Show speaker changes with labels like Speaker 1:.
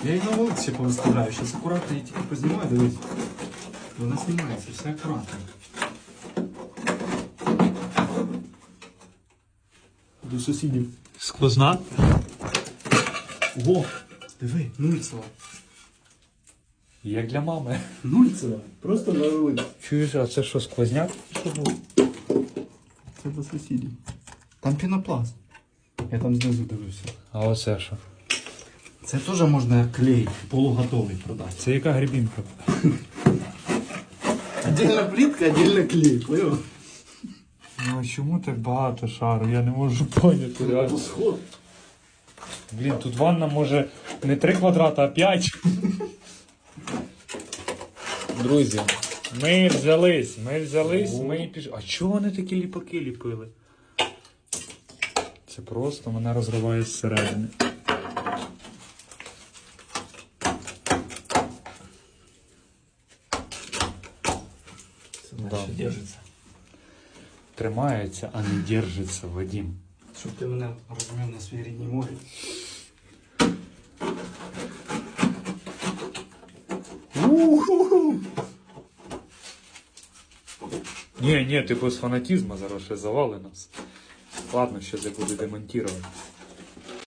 Speaker 1: Я її на вулиці повиставляю, зараз акуратно її тільки познімаю, дивись. Вона знімається, все акуратно. До сусідів.
Speaker 2: Сквозна?
Speaker 1: Ого, диви, нульцева.
Speaker 2: Як для мами.
Speaker 1: Нульцева, просто на вулиці.
Speaker 2: Чуєш, а це що, сквозняк?
Speaker 1: Це до сусідів. Там пінопласт. Я там знизу дивився.
Speaker 2: А оце що?
Speaker 1: Це теж можна клей полуготовий продати.
Speaker 2: Це яка грибінка?
Speaker 1: Отдельно плитка, отдельно клей, понял?
Speaker 2: Ну а чому так багато шару? Я не можу поняти. Реально.
Speaker 1: Сход.
Speaker 2: Блін, тут ванна може не 3 квадрата, а 5. Друзі, ми взялись, ми пішли. А чого вони такі ліпаки ліпили? Це просто мене розриває зсередини.
Speaker 1: Да. Держиться.
Speaker 2: Тримається, а не держиться, Вадим.
Speaker 1: Щоб ти мене розумів на своїй рідній мові.
Speaker 2: Ні, ти без фанатізму зараз ще завали нас. Ладно, щось я буду демонтувати.